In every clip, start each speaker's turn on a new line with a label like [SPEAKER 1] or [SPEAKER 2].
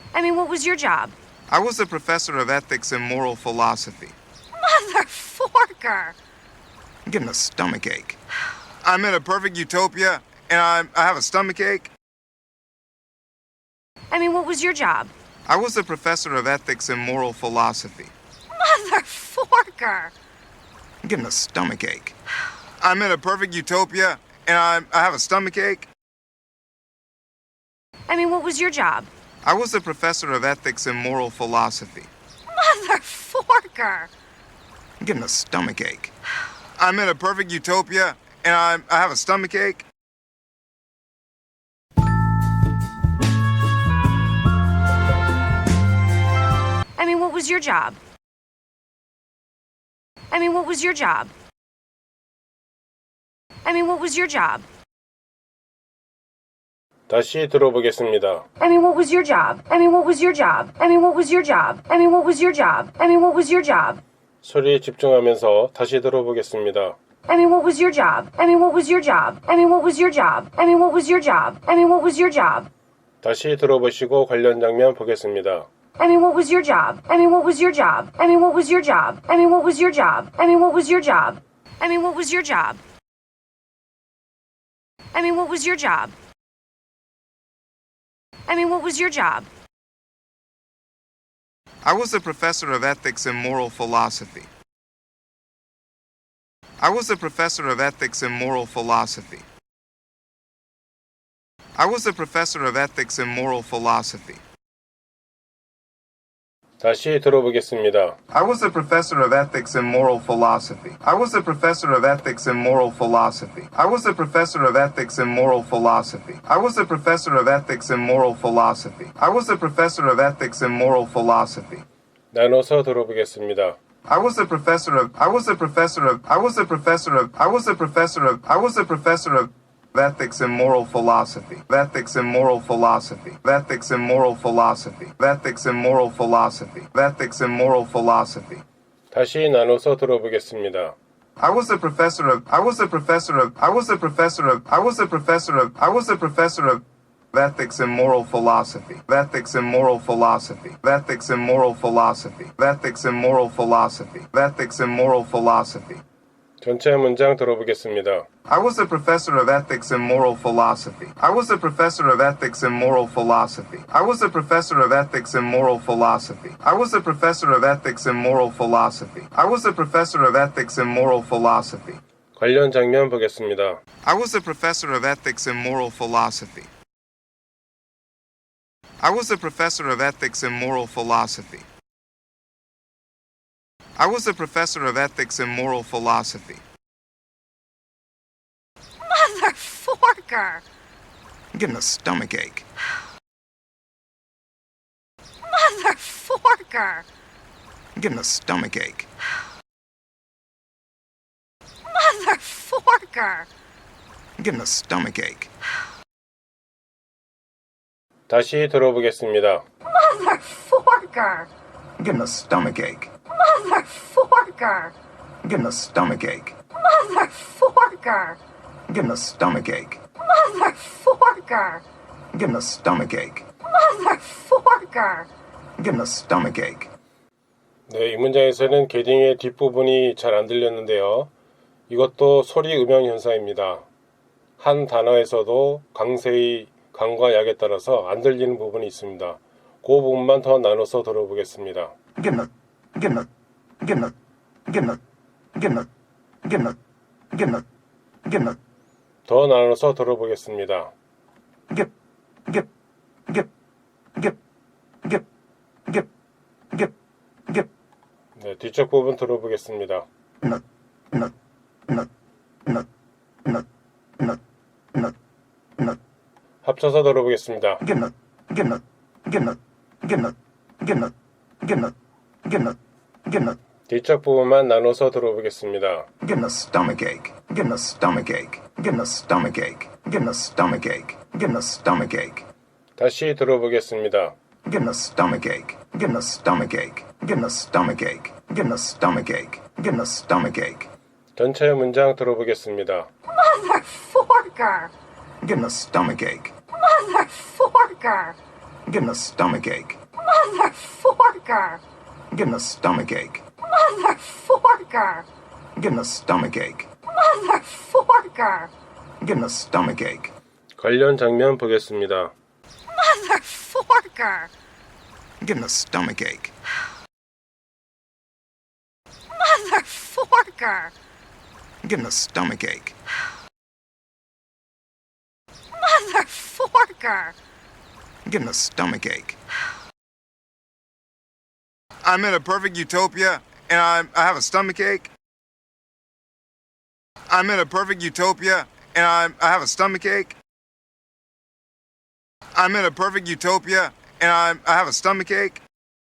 [SPEAKER 1] I mean, what was your job?
[SPEAKER 2] I was a professor of ethics and moral philosophy.
[SPEAKER 1] Motherforker!
[SPEAKER 2] I'm getting a stomach ache. I'm in a perfect utopia, and I have a stomach ache.
[SPEAKER 1] I mean, what was your job?
[SPEAKER 2] I was a professor of ethics and moral philosophy.
[SPEAKER 1] Motherforker!
[SPEAKER 2] I'm getting a stomach ache. I'm in a perfect utopia, and I have a stomach ache.
[SPEAKER 1] I mean, what was your job?
[SPEAKER 2] I was a professor of ethics and moral philosophy.
[SPEAKER 1] Motherforker!
[SPEAKER 2] I'm getting a stomach ache. I'm in a perfect utopia, and I have a stomach ache.
[SPEAKER 1] I mean, what was your job? I mean, what was your job? I mean, what was your job?
[SPEAKER 3] 다시 들어보겠습니다.
[SPEAKER 1] I mean, what was your job? I mean, what was your job? I mean, what was your job? I mean, what was your job? I mean, what was your job?
[SPEAKER 3] 소리에 집중하면서 다시 들어보겠습니다.
[SPEAKER 1] I mean, what was your job? I mean, what was your job? I mean, what was your job? I mean, what was your job? I mean, what was your job?
[SPEAKER 3] 다시 들어보시고 관련 장면 보겠습니다.
[SPEAKER 1] I mean, what was your job? I mean, what was your job? I mean, what was your job? I mean, what was your job? I mean, what was your job? I mean, what was your job? I mean, what was your job? I mean, what was your job?
[SPEAKER 2] I was a professor of ethics and moral philosophy. I was a professor of ethics and moral philosophy. I was a professor of ethics and moral philosophy.
[SPEAKER 3] 다시 들어보겠습니다.
[SPEAKER 2] I was a professor of ethics and moral philosophy. I was a professor of ethics and moral philosophy. I was a professor of ethics and moral philosophy. I was a professor of ethics and moral philosophy. I was a professor of ethics and moral philosophy.
[SPEAKER 3] 나눠서 들어보겠습니다.
[SPEAKER 2] I was a professor of ethics and moral philosophy. Ethics and moral philosophy. Ethics and moral philosophy. Ethics and moral philosophy. Ethics and moral philosophy.
[SPEAKER 3] 다시 나눠서 들어보겠습니다.
[SPEAKER 2] I was a professor of ethics and moral philosophy. Ethics and moral philosophy. Ethics and moral philosophy. Ethics and moral philosophy. Ethics and moral philosophy.
[SPEAKER 3] 전체 문장 들어보겠습니다.
[SPEAKER 2] I was a professor of ethics and moral philosophy. I was a professor of ethics and moral philosophy. I was a professor of ethics and moral philosophy. I was a professor of ethics and moral philosophy. I was a professor of ethics and moral philosophy.
[SPEAKER 3] 관련 장면 보겠습니다.
[SPEAKER 2] I was a professor of ethics and moral philosophy. I was a professor of ethics and moral philosophy. I was a professor of ethics and moral philosophy.
[SPEAKER 1] Motherforker!
[SPEAKER 2] I'm getting a stomach ache.
[SPEAKER 1] Motherforker!
[SPEAKER 2] I'm getting a stomach ache.
[SPEAKER 1] Motherforker!
[SPEAKER 2] I'm getting a stomach ache.
[SPEAKER 3] 다시 들어보겠습니다.
[SPEAKER 1] Motherforker!
[SPEAKER 2] I'm getting a stomach ache.
[SPEAKER 1] Motherforker!
[SPEAKER 2] I'm getting a stomach ache.
[SPEAKER 1] Motherforker!
[SPEAKER 2] I'm getting a stomach ache.
[SPEAKER 1] Motherforker!
[SPEAKER 2] I'm getting a stomach ache.
[SPEAKER 1] Motherforker!
[SPEAKER 2] I'm getting a stomach ache.
[SPEAKER 3] 네, 이 문장에서는 게딩의 뒷부분이 잘 안 들렸는데요. 이것도 소리 음영 현상입니다. 한 단어에서도 강세의 강과 약에 따라서 안 들리는 부분이 있습니다. 그 부분만 더 나눠서 들어보겠습니다. 더 나눠서 들어보겠습니다. 네, 뒤쪽 부분 들어보겠습니다. 합쳐서 들어보겠습니다. 뒤쪽 부분만 나눠서 들어보겠습니다.
[SPEAKER 2] Getting a stomach ache. Getting a stomach ache. Getting a stomach ache. Getting a stomach ache. Getting a stomach ache.
[SPEAKER 3] 다시 들어보겠습니다.
[SPEAKER 2] Getting a stomach ache. Getting a stomach ache. Getting a stomach ache. Getting a stomach ache. Getting a stomach ache.
[SPEAKER 3] 전체 문장 들어보겠습니다.
[SPEAKER 1] Motherforker!
[SPEAKER 2] Getting a stomach ache.
[SPEAKER 1] Motherforker!
[SPEAKER 2] I'm getting a stomach ache.
[SPEAKER 1] Motherforker!
[SPEAKER 2] I'm getting a stomach ache.
[SPEAKER 1] Motherforker!
[SPEAKER 2] I'm getting a stomach ache.
[SPEAKER 1] Motherforker!
[SPEAKER 2] I'm getting a stomach ache.
[SPEAKER 3] 관련 장면 보겠습니다.
[SPEAKER 1] Motherforker!
[SPEAKER 2] I'm getting a stomach ache.
[SPEAKER 1] Motherforker!
[SPEAKER 2] I'm getting a stomach ache.
[SPEAKER 1] Motherforker!
[SPEAKER 2] I'm getting a stomach ache. I'm in a perfect utopia and I have a stomach ache. I'm in a perfect utopia and I have a stomach ache. I'm in a perfect utopia and I have a stomach ache.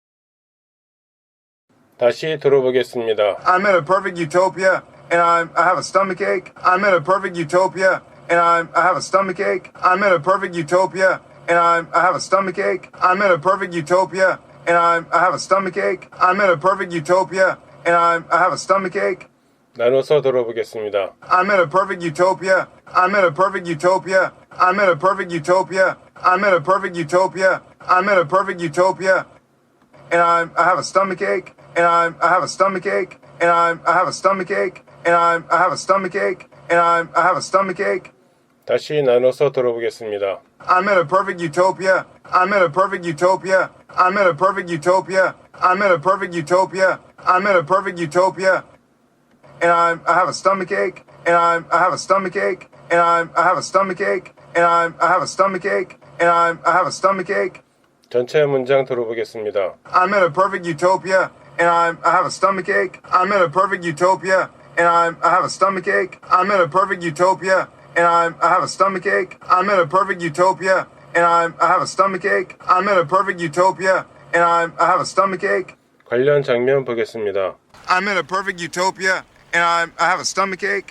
[SPEAKER 3] 다시 들어보겠습니다.
[SPEAKER 2] I'm in a perfect utopia and I have a stomach ache. I'm in a perfect utopia and I have a stomach ache. I'm in a perfect utopia and I have a stomach ache. I'm in a perfect utopia and I have a stomach ache. I'm in a perfect utopia and I have a stomach ache.
[SPEAKER 3] 나눠서 들어보겠습니다.
[SPEAKER 2] I'm in a perfect utopia. I'm in a perfect utopia. I'm in a perfect utopia. I'm in a perfect utopia. I'm in a perfect utopia. And I have a stomach ache. And I have a stomach ache. And I have a stomach ache. And I have a stomach ache. And I have a stomach ache.
[SPEAKER 3] 다시 나눠서 들어보겠습니다.
[SPEAKER 2] I'm in a perfect utopia. I'm in a perfect utopia. I'm in a perfect utopia. I'm in a perfect utopia. I'm in a perfect utopia. And I have a stomach ache. And I have a stomach ache. And I have a stomach ache. And I have a stomach ache. And I have a stomach ache.
[SPEAKER 3] 전체 문장 들어보겠습니다.
[SPEAKER 2] I'm in a perfect utopia. And I have a stomach ache. I'm in a perfect utopia. And I have a stomach ache. I'm in a perfect utopia. And I have a stomach ache. I'm in a perfect utopia. And I have a stomach ache. I'm in a perfect utopia. And I have a stomach ache.
[SPEAKER 3] 관련 장면 보겠습니다.
[SPEAKER 2] I'm in a perfect utopia. And I have a stomach ache.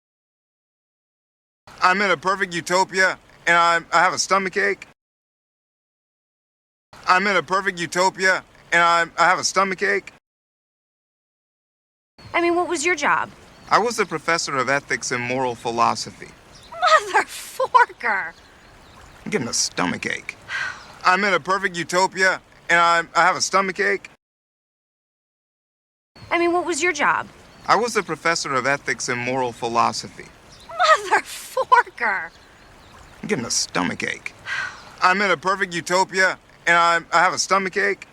[SPEAKER 2] I'm in a perfect utopia. And I have a stomach ache. I'm in a perfect utopia. And I have a stomach ache.
[SPEAKER 1] I mean, what was your job?
[SPEAKER 2] I was a professor of ethics and moral philosophy.
[SPEAKER 1] Motherforker!
[SPEAKER 2] I'm getting a stomach ache. I'm in a perfect utopia, and I have a stomach ache.
[SPEAKER 1] I mean, what was your job?
[SPEAKER 2] I was a professor of ethics and moral philosophy.
[SPEAKER 1] Motherforker!
[SPEAKER 2] I'm getting a stomach ache. I'm in a perfect utopia, and I have a stomach ache.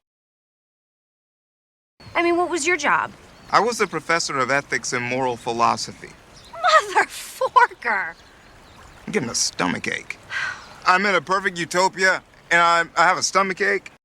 [SPEAKER 1] I mean, what was your job?
[SPEAKER 2] I was a professor of ethics and moral philosophy.
[SPEAKER 1] Motherforker!
[SPEAKER 2] I'm getting a stomach ache. I'm in a perfect utopia, and I have a stomach ache.